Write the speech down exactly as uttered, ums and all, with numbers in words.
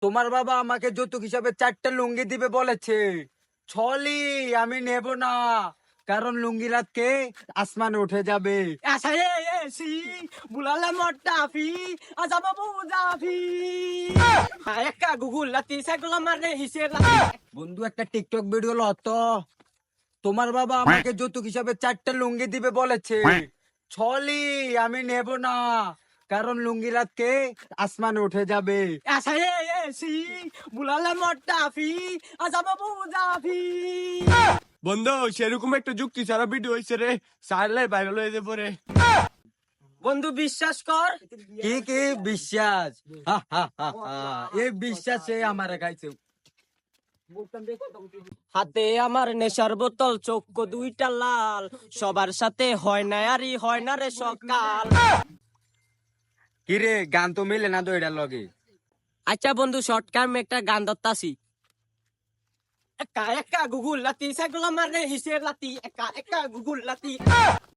তোমার বাবা আমাকে যৌতুক হিসাবে চারটা লুঙ্গি দিবে বলেছে। ছলি আমি নেব না, কারণ লুঙ্গি রাতকে আসমানে উঠে যাবে। Asaya si bulala motafi azaba buzafi. Ayaka Google lati sagla marne hisir lati. বন্ধু একটা টিকটক ভিডিও লতো। তোমার বাবা আমাকে যৌতুক হিসাবে চারটা লুঙ্গি দিবে বলেছে। ছলি আমি নেব না, কারণ লুঙ্গি রাতকে আসমানে উঠে যাবে। Asaya si bulala motafi azaba buzafi. বন্ধু সেরকম একটা যুক্তি ছাড়া ভিডিও হয়েছে রে, সারলে ভাইরাল হয়ে যাবে রে। বন্ধু বিশ্বাস কর, কি কি বিশ্বাস? হা, হা, হা, হা। এই বিশ্বাসে আমার গাইছে। হাতে আমার নেশার বোতল, চোখ দুইটা লাল, সবার সাথে হয় না আরি হয় না রে সকাল। কি রে, গান তো মিলে না তো এটার লগে। আচ্ছা বন্ধু, শর্ট টার্ম একটা গান ধরতাছি। একা একা গুগুল লাতি সাইগুলা মারে হিসের লাতি, একা একা গুগুল লাতি।